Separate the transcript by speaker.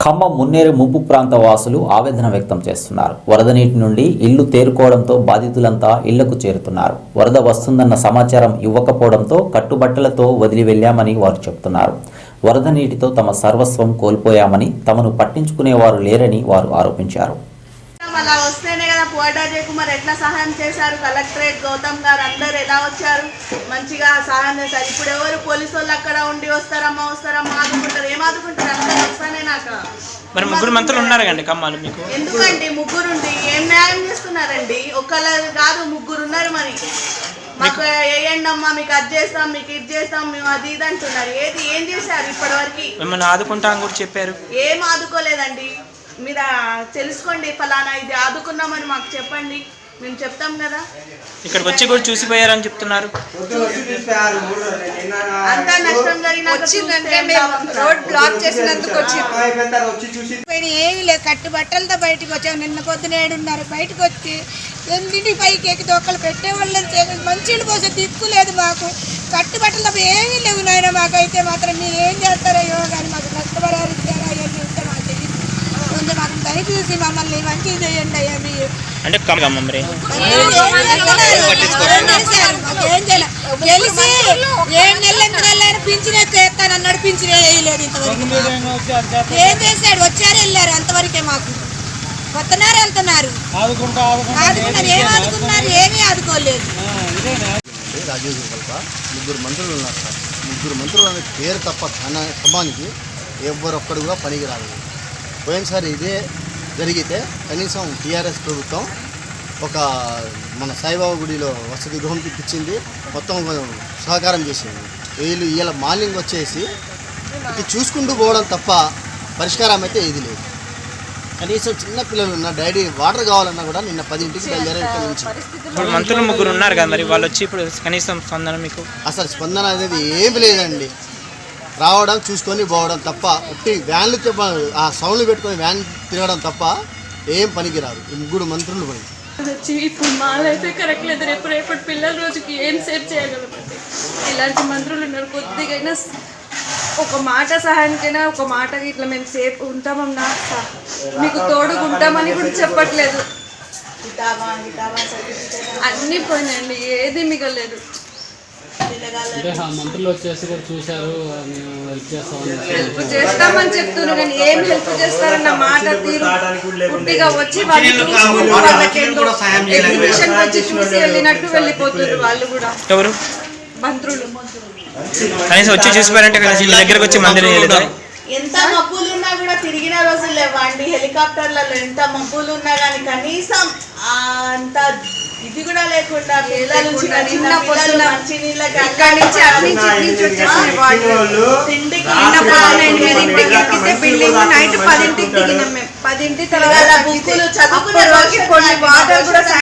Speaker 1: ఖమ్మం మున్నేరు ముంపు ప్రాంత వాసులు ఆవేదన వ్యక్తం చేస్తున్నారు. వరద నీటి నుండి ఇల్లు తేరుకోవడంతో బాధితులంతా ఇళ్లకు చేరుతున్నారు. వరద వస్తుందన్న సమాచారం ఇవ్వకపోవడంతో కట్టుబట్టలతో వదిలి వెళ్లామని వారు చెబుతున్నారు. వరద నీటితో తమ సర్వస్వం కోల్పోయామని, తమను పట్టించుకునేవారు లేరని వారు ఆరోపించారు.
Speaker 2: అలా వస్తేనే కదా పోటా జయకుమార్ ఎట్లా సహాయం చేశారు, కలెక్టరేట్ గౌతమ్ గారు అందరు ఎలా వచ్చారు, మంచిగా సహాయం చేశారు. ఇప్పుడు ఎవరు పోలీసు వాళ్ళు అక్కడ ఉండి వస్తారమ్మా ఆదుకుంటారు, ఏం ఆదుకుంటారు? అందరూ వస్తానే నాకు
Speaker 3: మరి ముగ్గురు మంత్రులు ఉన్నారు కండి కమ్మాలు మీకు
Speaker 2: ఎందుకండి? ముగ్గురుండి ఏం న్యాయం చేస్తున్నారండి? ఒక్కళ్ళు కాదు ముగ్గురు ఉన్నారు. మరి మాకు వేయండి అమ్మా, మీకు అది చేస్తాం, మీకు ఇది చేస్తాం, మేము అది ఇది అంటున్నారు. ఏం చేశారు ఇప్పటి వరకు?
Speaker 3: మిమ్మల్ని ఆదుకుంటామని కూడా చెప్పారు.
Speaker 2: ఏం ఆదుకోలేదండి. మీరు తెలుసుకోండి, ఫలానా ఇది ఆదుకున్నామని మాకు చెప్పండి, మేము చెప్తాం కదా.
Speaker 3: ఇక్కడికి వచ్చి కూడా చూసిపోయారని చెప్తున్నారు.
Speaker 2: అంతా నష్టం జరిగిందంటే
Speaker 4: రోడ్ బ్లాక్ చేసినందుకు ఏమి లేదు, కట్టు బట్టలతో బయటకు వచ్చాము. నిన్న పొద్దున 7:30 బయటకు వచ్చి 8 పైకి ఎక్కి దొక్కలు పెట్టేవాళ్ళని మంచిలు పోసే దిక్కు లేదు మాకు. కట్టు బట్టలతో ఏమీ లేవు నాయన. మాకైతే మాత్రం మీరు ఏం చేస్తారో కానీ మాకు నష్టపరాలు ఇస్తారా అవన్నీ ఉంటే మాకు తెలియదు. కొంచెం మాకు దయచేసి మమ్మల్ని మంచిగా చేయండి అయ్యా. మీరు
Speaker 3: అంటే మరి
Speaker 4: మాకేం చేయాలి? తెలిసి 7 నెలలు 8 నెలలైనా పింఛన్ చేస్తాను అన్నాడు, పింఛన్ వేయలేదు ఇంతవరకు. ఏం చేశాడు? వచ్చారు వెళ్ళారు, అంతవరకే. మాకు వస్తున్నారు వెళ్తున్నారు, ఆదుకున్నారు. ఏం ఆదుకున్నారు? ఏమీ ఆదుకోలేదు.
Speaker 5: రాజీవ్ కల్ప ముగ్గురు మంత్రులు ఉన్నారు సార్. ముగ్గురు మంత్రులు అనే పేరు తప్ప ఖమ్మానికి ఎవరొక్కడు కూడా పనికి రాలేదు. పోయినసారి ఇదే జరిగితే కనీసం టీఆర్ఎస్ ప్రభుత్వం ఒక మన సాయిబాబా గుడిలో వసతి గృహం ఇప్పించింది, మొత్తం సహకారం చేసింది. వీళ్ళు ఇలా మార్నింగ్ వచ్చేసి ఇటు చూసుకుంటూ పోవడం తప్ప పరిష్కారం అయితే ఇది లేదు. కనీసం చిన్న పిల్లలు ఉన్న డాడీ వాటర్ కావాలన్నా కూడా నిన్న 10ంటికి బయలుదేరే ఇక్కడ నుంచి.
Speaker 3: ఇప్పుడు మంత్రులు ముగ్గురు ఉన్నారు కదా, మరి వాళ్ళు వచ్చి ఇప్పుడు కనీసం స్పందన మీకు?
Speaker 5: అసలు స్పందన అనేది ఏమి లేదండి. రావడం చూసుకొని పోవడం తప్ప, ఉట్టి వ్యాన్లు ఆ సౌండ్లు పెట్టుకొని వ్యాన్ తిరగడం తప్ప ఏం పనికి రాదు ఈ ముగ్గురు మంత్రులు పని.
Speaker 6: వచ్చి ఇప్పుడు మాలైతే కరెక్ట్ లేదు. రేపటి పిల్లల రోజుకి ఏం సేవ్ చేయగలమండి? ఇలాంటి మంత్రులు ఉన్నారు. కొద్దిగైనా ఒక మాట సహాయానికైనా ఒక మాట ఇట్లా మేము సేఫ్ ఉంటామన్నా మీకు తోడుగా ఉంటామని కూడా చెప్పట్లేదు. అన్నీ పోయినాయండి, ఏది మిగలేదు.
Speaker 7: మంత్రులు వచ్చేసి కూడా చూశారు,
Speaker 6: హెల్ప్ చేస్తామని చెప్తున్నారు కానీ ఏం హెల్ప్ చేస్తారన్న మాట తీరు పుట్టిగా వచ్చి ఎగ్జిబిషన్ వచ్చి చూసి వెళ్ళినట్టు వెళ్ళిపోతున్నారు వాళ్ళు కూడా.
Speaker 3: ఎవరు
Speaker 6: మంత్రులు
Speaker 3: కనీసం వచ్చి చూసిపోయారంటే కనీసం దగ్గరకు వచ్చి మందిరం చేయలేదు.
Speaker 2: ఎంత మబ్బులు ఉన్నా కూడా తిరిగిన రోజులు లేవండి. హెలికాప్టర్లలో ఎంత మబ్బులు ఉన్నా కానీ కనీసం అంత ఇది కూడా లేకుండా పిల్లలు చిన్న పొద్దున మంచి నీళ్ళకి బిల్డింగ్ నైట్ 10ంటికి దిగినాం మేము. 10ంటి తర్వాత బుక్కులు చదువుకునే కొన్ని వాటర్ కూడా